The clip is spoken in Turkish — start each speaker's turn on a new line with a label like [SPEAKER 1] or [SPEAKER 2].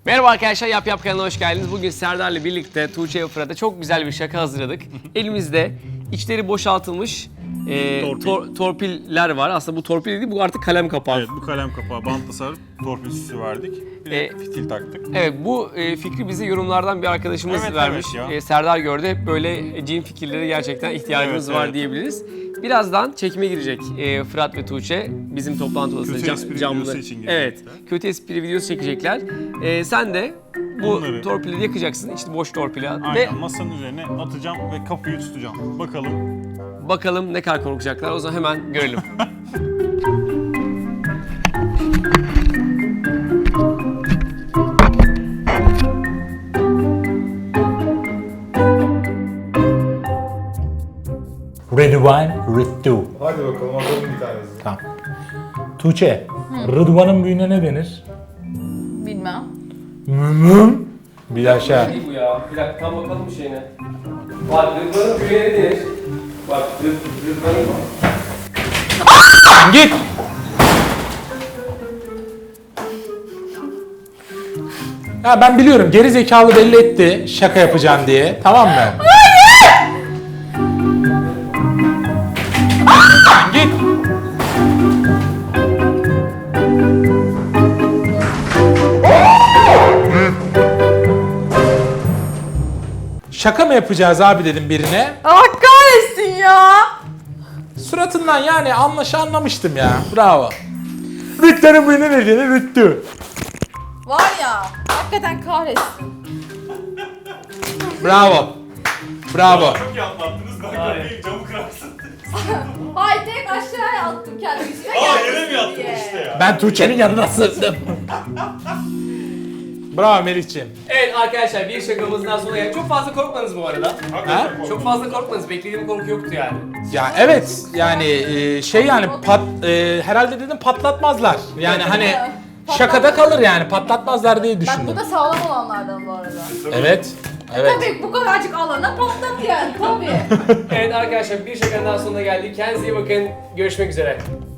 [SPEAKER 1] Merhaba arkadaşlar, Yap Yap kanalına hoş geldiniz. Bugün Serdar'la birlikte Tuğçe ve Fırat'a çok güzel bir şaka hazırladık. Elimizde içleri boşaltılmış torpiller var. Aslında bu torpil değil, bu artık kalem kapağı.
[SPEAKER 2] Evet, bu kalem kapağı bantla sarıp torpil süsü verdik. Bir de fitil taktık.
[SPEAKER 1] Evet, bu fikri bize yorumlardan bir arkadaşımız vermiş. Serdar gördü. Hep böyle cin fikirleri gerçekten ihtiyacımız var diyebiliriz. Birazdan çekime girecek Fırat ve Tuğçe. Bizim toplantı odasında
[SPEAKER 2] kötü espri videosu için girecekler.
[SPEAKER 1] Evet, kötü espri videosu çekecekler. Sen de bu torpilleri yakacaksın. İşte boş torpili.
[SPEAKER 2] Aynen,
[SPEAKER 1] ve
[SPEAKER 2] masanın üzerine atacağım ve kapıyı tutacağım.
[SPEAKER 1] bakalım ne kadar korkacaklar. O zaman hemen görelim.
[SPEAKER 3] Rıdvan, Rıddu.
[SPEAKER 4] Hadi bakalım alalım bir tanesini.
[SPEAKER 3] Tamam. Tuğçe, Rıdvan'ın büyüğüne ne denir?
[SPEAKER 5] Bilmem.
[SPEAKER 3] Bir aşağı.
[SPEAKER 1] Bu ya. Bir dakika tam bakalım şeyine. Bak Rıdvan'ın büyüğüne denir. Bak Rıdvan'ın...
[SPEAKER 3] Git! Ya ben biliyorum, geri zekalı belli etti şaka yapacağım diye. Tamam mı? Git! Şaka mı yapacağız abi dedim birine.
[SPEAKER 5] Allah kahretsin ya.
[SPEAKER 3] Suratından yani anlamıştım ya. Bravo. Rütte'nin büyüğüne ne denir? Rüttü.
[SPEAKER 5] Var ya, hakikaten kahretsin.
[SPEAKER 3] Bravo. Bravo.
[SPEAKER 2] Çok iyi atlattınız. Ben kapıyı camı kırarsın.
[SPEAKER 5] Hayır, tek aşağıya attım kendimi.
[SPEAKER 2] Yere mi yattın işte ya?
[SPEAKER 3] Ben Tuğçe'nin yanına sığındım. Bravo Melih'ciğim.
[SPEAKER 1] Evet arkadaşlar, bir şakamızdan sonra geldik. Çok fazla korkmanız bu arada.
[SPEAKER 3] Ha?
[SPEAKER 1] Çok fazla korkmanız. Beklediğim korku yoktu yani.
[SPEAKER 3] Ya evet yani herhalde dedim patlatmazlar. Yani hani şakada kalır yani patlatmazlar diye
[SPEAKER 5] Bak
[SPEAKER 3] düşündüm.
[SPEAKER 5] bu da sağlam olanlardan bu arada.
[SPEAKER 3] Evet. Evet.
[SPEAKER 5] Tabii bu kadarcık alana patlat yani tabii.
[SPEAKER 1] Evet arkadaşlar, bir şakanın daha sonuna geldik. Kendinize iyi bakın. Görüşmek üzere.